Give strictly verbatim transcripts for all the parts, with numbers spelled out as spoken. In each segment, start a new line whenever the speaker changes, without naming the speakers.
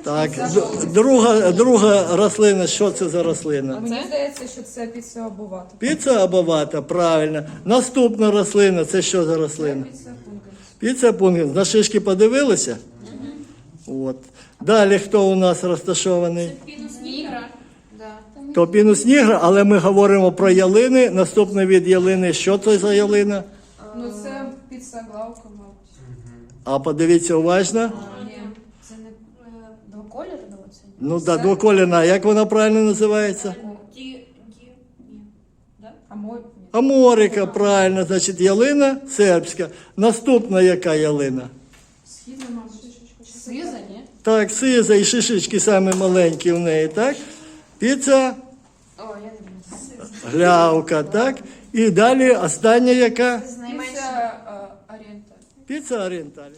Так, д- друга, друга рослина, що це за рослина?
Мені здається, що це піца обувати.
Піца або вата, правильно. Наступна рослина, це що за рослина?
Піца пункт.
Піца пункт. На шишки подивилися? От. Далі хто у нас розташований?
Пінус нігра. Да.
То пінус нігра, але ми говоримо про ялини. Наступний від ялини, що це за ялина?
Ну це піца главка, мабуть.
А подивіться уважно.
Ні.
Це не е, двоколір, ну це?
Ну так, двоколірна, як вона правильно називається?
Ді, ді, ні. Да?
А мой ні.
Аморика, правильно, значить ялина сербська. Наступна яка ялина?
Східна, мабуть.
Сиза, ні?
Так, сиза і шишечки самі маленькі в неї, так? Піца,
О, я не знаю.
глявка, так? І далі остання яка?
Піца е, орієнталь.
Піца орієнталь.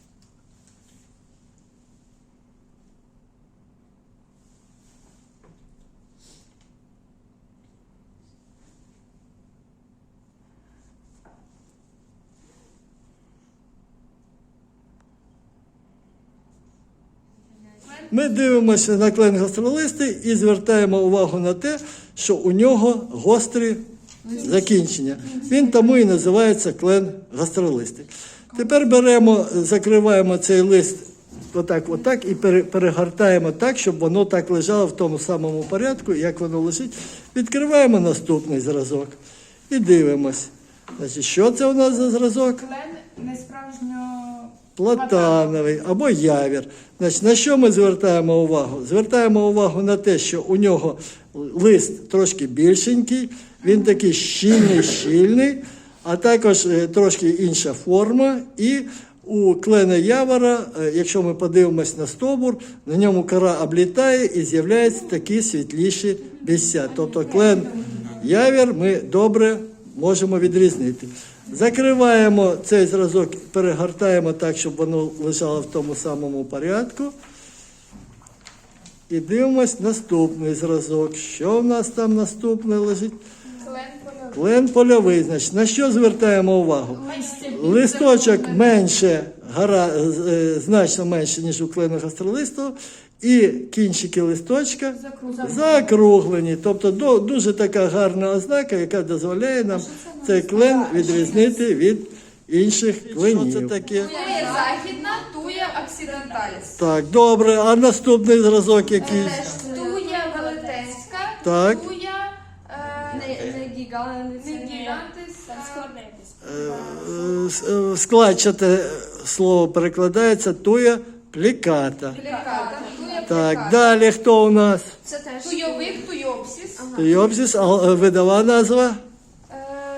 Ми дивимося на клен гастролисти і звертаємо увагу на те, що у нього гострі закінчення. Він тому і називається клен гастролисти. Тепер беремо, закриваємо цей лист отак, отак і пере- перегортаємо так, щоб воно так лежало в тому самому порядку, як воно лежить. Відкриваємо наступний зразок і дивимось. Значить, що це у нас за зразок?
Клен несправжньо...
Платановий або явір. Значить, на що ми звертаємо увагу? Звертаємо увагу на те, що у нього лист трошки більшенький, він такий щільний-щільний, а також е, трошки інша форма. І у клена явора, е, якщо ми подивимось на стовбур, на ньому кора облітає і з'являються такі світліші місця. Тобто клен явір ми добре можемо відрізнити. Закриваємо цей зразок, перегортаємо так, щоб воно лежало в тому самому порядку. І дивимось наступний зразок. Що в нас там наступне лежить?
Клен польовий.
Клен польовий. Значить, на що звертаємо увагу? Листочок менше, гара, е, значно менше, ніж у клену гастролисту. І кінчики листочка закруглені. Тобто до- дуже така гарна ознака, яка дозволяє нам цей клен відрізнити від інших кленів. Що це таке?
Туя західна, туя оксиденталіс.
Так, добре. А наступний зразок який?
Туя велетенська,
Так.
туя е,
Не, не гігант,
не гігантис,
Там
а
складне якесь.
Е, с- е, Складчате слово перекладається туя пліката.
пліката. Туя
Так,
пліката.
далі хто у нас?
Це теж.
Туйовик, туйопсіс.
Туйопсіс, а е, видова назва?
Е,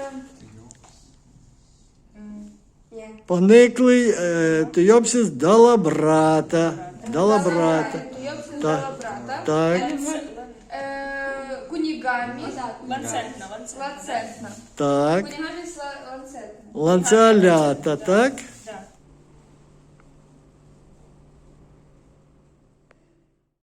Ні.
Пониклий е, туйопсис далабрата. Далабрата.
Туйопсіс
Так.
далабрата.
Так,
Е, Кунігамі.
Ланцетна, ланцетна.
Ланцетна.
так.
Кунігамі ланцетна.
Ланцеолята, так?